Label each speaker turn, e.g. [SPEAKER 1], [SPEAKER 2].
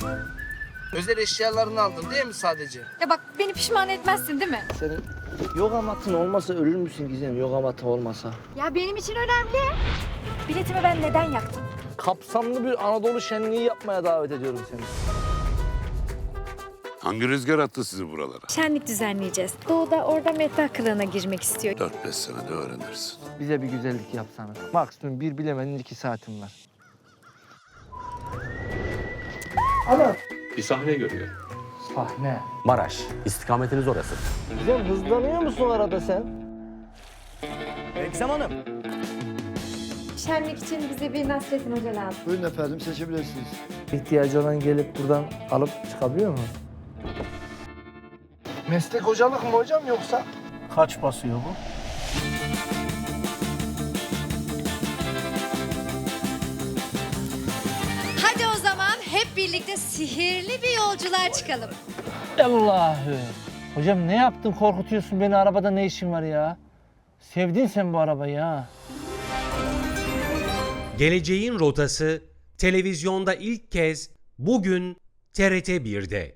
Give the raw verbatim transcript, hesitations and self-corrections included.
[SPEAKER 1] Özel eşyalarını aldın değil mi sadece?
[SPEAKER 2] Ya bak beni pişman etmezsin değil mi?
[SPEAKER 3] Senin yoga matın olmasa ölür müsün Gizem? Yoga matı olmasa.
[SPEAKER 2] Ya benim için önemli. Biletimi ben neden yaktım?
[SPEAKER 3] Kapsamlı bir Anadolu şenliği yapmaya davet ediyorum seni.
[SPEAKER 4] Hangi rüzgar attı sizi buralara?
[SPEAKER 2] Şenlik düzenleyeceğiz. Doğu da orada meta kılığına girmek istiyor.
[SPEAKER 4] Dört beş senede öğrenirsin.
[SPEAKER 3] Bize bir güzellik yapsana. Maksimum bir bilemedin iki saatim var. Ana.
[SPEAKER 5] Bir sahne görüyor.
[SPEAKER 3] Sahne.
[SPEAKER 5] Maraş. İstikametiniz orası.
[SPEAKER 3] Gizem hızlanıyor musun arada sen?
[SPEAKER 6] Eksem Hanım.
[SPEAKER 2] Şenlik için bize bir Nasrettin Hoca lazım.
[SPEAKER 7] Buyurun efendim seçebilirsiniz.
[SPEAKER 3] İhtiyacı olan gelip buradan alıp çıkabiliyor mu? Meslek hocalık mı hocam yoksa? Kaç basıyor bu?
[SPEAKER 8] Hadi o zaman hep birlikte sihirli bir yolculuğa çıkalım.
[SPEAKER 3] Allah'ım. Hocam ne yaptın korkutuyorsun beni, arabada ne işin var ya? Sevdin sen bu arabayı ha.
[SPEAKER 9] Geleceğin Rotası televizyonda ilk kez bugün T R T bir'de.